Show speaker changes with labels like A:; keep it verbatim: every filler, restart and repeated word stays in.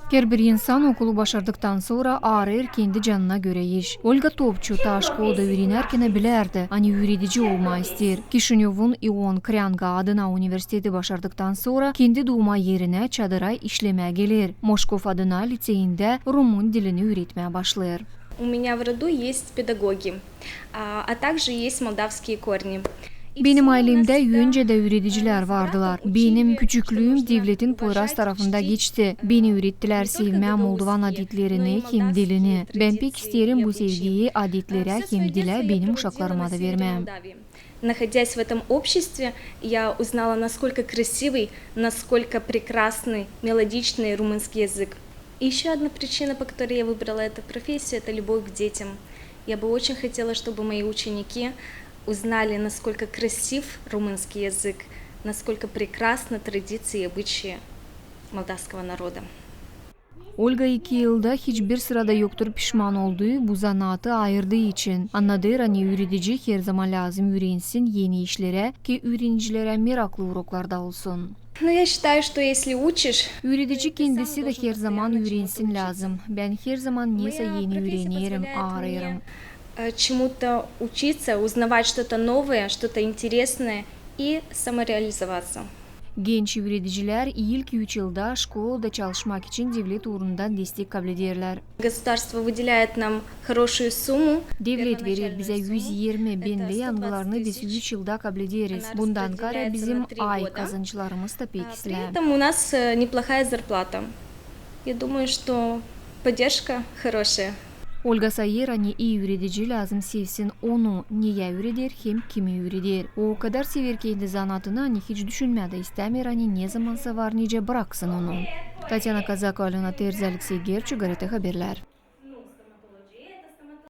A: Her bir insan okulu başardıktan sonra ağrır kendi canına göre iş. Olga Topçu ta şkolda öğrenirken bilerdi, hani üretici olma ister. Kişinyov'un İon Kryanga adına üniversiteti başardıktan sonra kendi doğma yerine çadıra işlemeye gelir. Moskov adına liseyinde Rumun dilini öğretmeye başlar.
B: У меня в роду есть педагоги, а, а также есть молдавские корни.
A: Benim ailemde yönce de öğreticiler vardılar. Benim küçüklüğüm devletin Poyraz tarafında geçti. Beni öğrettiler sevmeye Moldovan adetlerini hem dilini. Ben pek isterim bu sevgiyi adetlere hem dile benim uşaklarıma da vermem.
B: Находясь в этом обществе, я узнала, насколько красивый, насколько прекрасный, мелодичный румынский язык. И еще одна причина, по которой я выбрала эту профессию, это любовь к детям. Я бы очень хотела, чтобы мои ученики узнали, насколько красив румынский язык, насколько прекрасны традиции и обычаи молдавского народа.
A: Olga iki yılda hiçbir sırada yoktur pişman olduğu bu zanaatı ayırdığı için. Anladığı hani öğretici her zaman lazım öğrensin yeni işlere ki öğrencilere meraklı uroklarda olsun.
B: Но я считаю, что если учишь,
A: Öğretici kendisi de her zaman öğrensin lazım. Ben her zaman neyse yeni öğrenirim, ağrıyorum.
B: чему-то учиться, узнавать что-то новое, что-то интересное и самореализоваться.
A: Genç öğreticiler ilk üç yılda şkolda çalışmak için devlet uğrundan destek kabul ederler.
B: Государство выделяет нам хорошую сумму.
A: Devlet verir bize yüz yirmi bin ve yangılarını biz üç yılda kabul ederiz. Bundan kare bizim ay kazançlarımız da pek
B: При
A: islam.
B: этом у нас неплохая зарплата. Я думаю, что поддержка хорошая.
A: Olga sayır hani iyi öğretici lazım sevsin onu niye öğretir hem kimi öğretir. O kadar sever kendi zanatını hani hiç düşünmedi istemer hani ne zamansa var nice bıraksın onu. Tatyana Kazakova, Alena Terzi, Alexey Gerchu, G R T Haberler.